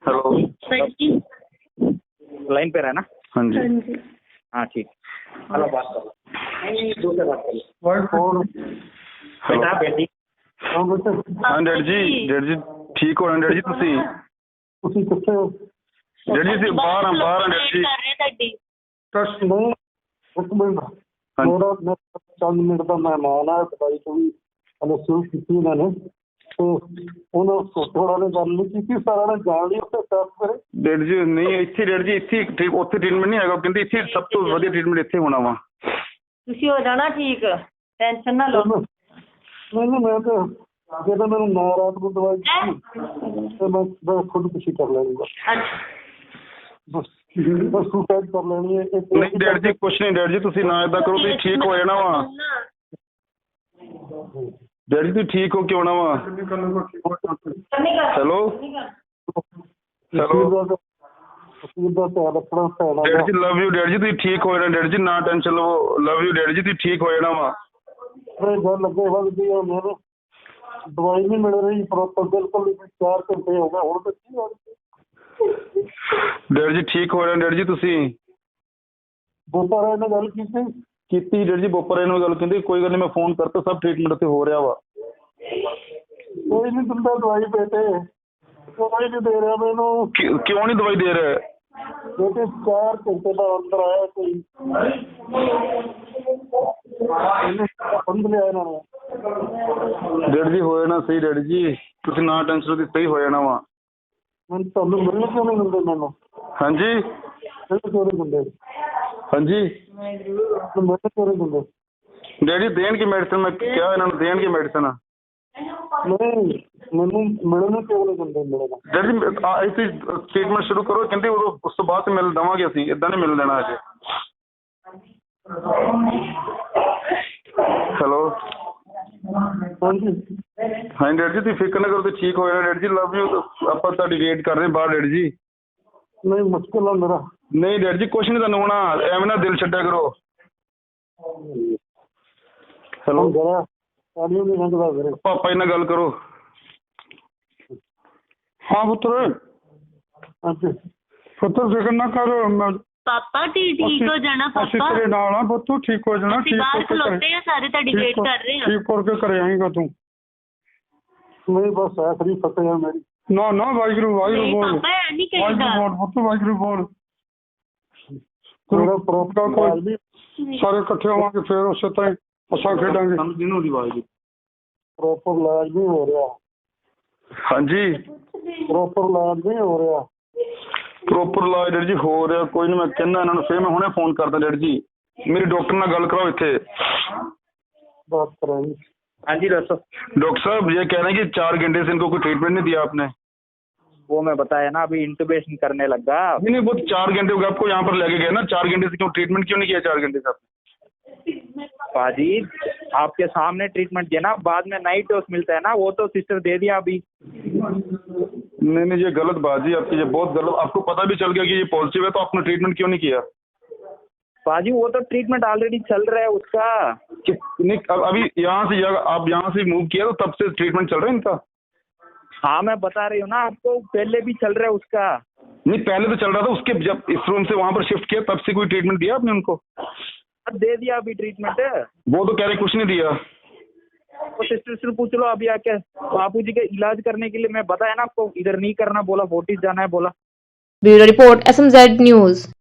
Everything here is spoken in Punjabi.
हेलो, लाइन पे रहना। हाँ जी। हाँ ठीक। हेलो, बात करो। नहीं, दूसरे बात करो। बेटा बेटी। हाँ डैड जी ठीक हो डैड जी ਤੁਸੀਂ कितने डैड जी बाहर बाहर डैड जी ट्रस्ट नहीं एक मिनट मेरा मैं 5 मिनट का मेहमान है दवाई को भी शुरू की मैंने तो उन्होंने थोड़ा ने गल नहीं की सारा ने जान लिया उससे साफ करे डैड जी नहीं ਇੱਥੇ ਡੈਡ ਜੀ ਇੱਥੇ ਠੀਕ ਉੱਥੇ ਟ੍ਰੀਟਮੈਂਟ ਨਹੀਂ ਹੈਗਾ ਕਹਿੰਦੇ ਇੱਥੇ ਸਭ ਤੋਂ ਵਧੀਆ ਟ੍ਰੀਟਮੈਂਟ ਇੱਥੇ ਹੋਣਾ ਵਾ ਤੁਸੀਂ ਹੋ ਜਾਣਾ ਠੀਕ ਟੈਨਸ਼ਨ ਨਾ ਲਓ नहीं मैं तो ਜੇ ਤਾਂ ਮੈਨੂੰ ਨਾ ਰਾਤ ਨੂੰ ਦਵਾਈ ਤੇ ਮੈਂ ਖੁਦ ਕੁਛ ਕਰ ਲੈਂਗਾ ਬਸ ਸੁਸਾਈਡ ਕਰ ਲੈਣੀ ਹੈ ਨਹੀਂ ਡੈਡ ਜੀ ਕੁਛ ਨਹੀਂ ਡੈਡ ਜੀ ਤੁਸੀਂ ਨਾ ਇਦਾਂ ਕਰੋ ਤੁਸੀਂ ਠੀਕ ਹੋ ਜਾਣਾ ਵਾ ਡੈਡ ਜੀ ਤੁਸੀਂ ਠੀਕ ਹੋ ਕੇ ਆਉਣਾ ਵਾ ਹੈਲੋ ਹੈਲੋ ਦਾ ਧਿਆਨ ਰੱਖਣਾ ਪੈਣਾ ਡੈਡ ਜੀ ਲਵ ਯੂ ਡੈਡ ਜੀ ਤੁਸੀਂ ਠੀਕ ਹੋ ਜਾਣਾ ਡੈਡ ਜੀ ਨਾ ਟੈਨਸ਼ਨ ਲਵੋ ਲਵ ਯੂ ਡੈਡ ਜੀ ਤੁਸੀਂ ਠੀਕ ਹੋ ਜਾਣਾ ਵਾ ਗੱਲ ਲੱਗੇ ਵੱਧਦੀ ਹੈ ਮੈਨੂੰ ਦਵਾਈ ਨਹੀਂ ਮਿਲ ਰਹੀ ਪ੍ਰੋਪਰ ਬਿਲਕੁਲ 4 ਘੰਟੇ ਹੋ ਗਏ ਹੁਣ ਤੱਕ ਕੀ ਹੋ ਰਿਹਾ ਡੈਡ ਜੀ ਠੀਕ ਹੋ ਜਾਣਾ ਡੈਡ ਜੀ ਤੁਸੀਂ ਬੋਪਾਰਾ ਨਾਲ ਗੱਲ ਕੀਤੀ ਡੈਡ ਜੀ ਬੋਪਰੇ ਨਾਲ ਗੱਲ ਕਹਿੰਦੇ ਕੋਈ ਗੱਲ ਨਹੀਂ ਮੈਂ ਫੋਨ ਕਰਤਾ ਸਭ ਟ੍ਰੀਟਮੈਂਟ ਉੱਥੇ ਹੋ ਰਿਹਾ ਵਾ ਕੋਈ ਨਹੀਂ ਦਿੰਦਾ ਦਵਾਈ ਬੇਟੇ ਕੋਈ ਨਹੀਂ ਦੇ ਰਿਹਾ ਮੈਨੂੰ ਕਿਉਂ ਨਹੀਂ ਦਵਾਈ ਦੇ ਰਿਹਾ ਬੇਟੇ 4 ਘੰਟੇ ਦਾ ਅੰਦਰ ਆਇਆ ਕੋਈ ਬੰਦ ਲਿਆ ਇਹਨਾਂ ਨੇ ਡੈਡ ਜੀ ਹੋ ਜਾਣਾ ਸਹੀ ਡੈਡ ਜੀ ਤੁਸੀਂ ਨਾ ਟੈਨਸ਼ਨ ਲਓ ਸਹੀ ਹੋ ਜਾਣਾ ਵਾ ਮੈਨੂੰ ਤੁਹਾਨੂੰ ਮਿਲਣ ਕਿਉਂ ਨਹੀਂ ਦਿੰਦੇ ਮੈਨੂੰ ਹਾਂਜੀ ਕਿਉਂ ਨਹੀਂ ਦਿੰਦੇ ਹਾਂਜੀ ਮੈਨੂੰ ਕਿਉਂ ਨਹੀਂ ਦਿੰਦੇ ਡੈਡ ਜੀ ਦੇਣਗੇ ਮੈਡੀਸਨ ਮੈਂ ਕਿਹਾ ਇਹਨਾਂ ਨੂੰ ਦੇਣਗੇ ਮੈਡੀਸਨ ਨਹੀਂ ਮੈਨੂੰ ਮਿਲਣ ਕਿਉਂ ਨਹੀਂ ਦਿੰਦੇ ਮਿਲਣਾ ਡੈਡ ਜੀ ਅਸੀਂ ਟ੍ਰੀਟਮੈਂਟ ਸ਼ੁਰੂ ਕਰੋ ਕਹਿੰਦੇ ਉਦੋਂ ਉਸ ਤੋਂ ਬਾਅਦ ਮਿਲ ਦੇਵਾਂਗੇ ਅਸੀਂ ਇਦਾਂ ਨਹੀਂ ਮਿਲ ਦੇਣਾ ਅਜੇ ਹੈਲੋ ਹਾਂਜੀ ਹਾਂ ਡੈਡ ਜੀ ਤੁਸੀਂ ਫਿਕਰ ਨਾ ਕਰੋ ਤੁਸੀਂ ਠੀਕ ਹੋ ਜਾਣਾ ਡੈਡ ਜੀ ਲਵ ਯੂ ਆਪਾਂ ਤੁਹਾਡੀ ਵੇਟ ਕਰ ਰਹੇ ਬਾਹਰ ਡੈਡ ਜੀ ਨਹੀਂ ਮੁਸ਼ਕਿਲ ਆ ਮੇਰਾ ਨਹੀਂ ਡੈਡ ਜੀ ਕੁਛ ਨਹੀਂ ਤੁਹਾਨੂੰ ਹੋਣਾ ਐਵੇਂ ਨਾ ਦਿਲ ਛੱਡਿਆ ਕਰੋ ਹੈਲੋ ਜਰਾ ਆਡੀਓ ਨਹੀਂ ਲੰਘਦਾ ਵੀਰੇ ਪਾਪਾ ਜੀ ਨਾਲ ਗੱਲ ਕਰੋ हाँ पुत्र ਹਾਂਜੀ पुत्र फिक्र ना कर ਪਾਪਾ ਠੀਕ ਹੋ ਜਾਣਾ ਅਸੀਂ ਪਾਪਾ ਤੇਰੇ ਨਾਲ ਆ ਪੁੱਤ ਠੀਕ ਹੋ ਜਾਣਾ ਅਸੀਂ ਬਾਹਰ ਖਲੋਤੇ ਆ ਸਾਰੇ ਤੁਹਾਡੀ ਵੇਟ ਕਰ ਰਹੇ ਆ ਠੀਕ ਕਰਕੇ ਘਰੇ ਆਏਗਾ ਤੂੰ ਨਹੀਂ ਬਸ ਆਖਰੀ ਫਤਿਹ ਹੈ ਮੇਰੀ ਨਾ ਨਾ ਵਾਹਿਗੁਰੂ ਵਾਹਿਗੁਰੂ ਨਹੀਂ ਬੋਲ ਪਾਪਾ ਇਹ ਨਹੀਂ ਵਾਹਿਗੁਰੂ ਕਹਿੰਦਾ ਬੋਲ ਪੁੱਤ ਵਾਹਿਗੁਰੂ ਬੋਲ ਮੇਰਾ ਪ੍ਰੋਪਰ ਕੋਈ ਨਹੀਂ ਸਾਰੇ ਇਕੱਠੇ ਹੋਵਾਂਗੇ ਫਿਰ ਉਸੇ ਤਰ੍ਹਾਂ ਹੀ ਅਸਾਂ ਖੇਡਾਂਗੇ ਸਾਨੂੰ ਜਿਹਨੂੰ ਦੀ ਆਵਾਜ਼ ਪ੍ਰੋਪਰ ਇਲਾਜ ਨਹੀਂ ਹੋ ਰਿਹਾ ਹਾਂਜੀ ਪ੍ਰੋਪਰ ਇਲਾਜ ਨਹੀਂ ਹੋ ਰਿਹਾ ਪ੍ਰੋਪਰ ਇਲਾਜ ਡੈਡ ਜੀ ਹੋ ਰਿਹਾ ਕੋਈ ਨਹੀਂ ਮੈਂ ਕਹਿੰਦਾ ਇਹਨਾਂ ਨੂੰ ਫਿਰ ਮੈਂ ਹੁਣੇ ਫੋਨ ਕਰਦਾ ਡੈਡ ਜੀ ਮੇਰੀ ਡਾਕਟਰ ਨਾਲ ਗੱਲ ਕਰਾਓ ਇੱਥੇ बात कराएंगे हाँ जी दोस्तों, डॉक्टर साहब ये कह रहे हैं कि 4 घंटे से इनको कोई ट्रीटमेंट नहीं दिया आपने वो मैं बताया ना अभी इंटुबेशन करने लगा। नहीं वो 4 घंटे हो गए आपको यहाँ पर लेके गए ना 4 घंटे से क्यों ट्रीटमेंट क्यों नहीं किया 4 घंटे से आपने पाजी आपके सामने ट्रीटमेंट दिया ना, बाद में नाइट डोज मिलता है ना, वो तो सिस्टर दे दिया अभी। नहीं ये गलत बात जी आपकी, ये बहुत गलत। आपको पता भी चल गया कि ये पॉजिटिव है तो आपने ट्रीटमेंट क्यों नहीं किया? पाजी वो तो ट्रीटमेंट ऑलरेडी चल रहा है उसका। नहीं अभी यहाँ से आप यहाँ से मूव किया तो तब से ट्रीटमेंट चल रहा है इनका? हाँ मैं बता रही हूँ ना आपको, पहले भी चल रहा है उसका। नहीं पहले तो चल रहा था, उसके जब इस रूम से वहाँ पर शिफ्ट किया तब से कोई ट्रीटमेंट दिया आपने उनको? दे दिया अभी ट्रीटमेंट। वो तो कह रहे कुछ नहीं दिया। वो सिस्टर से पूछ लो अभी आके, बापू जी के इलाज करने के लिए मैं बताया ना आपको, इधर नहीं करना बोला, फोर्टिस जाना है बोला। Bureau report SMZ news.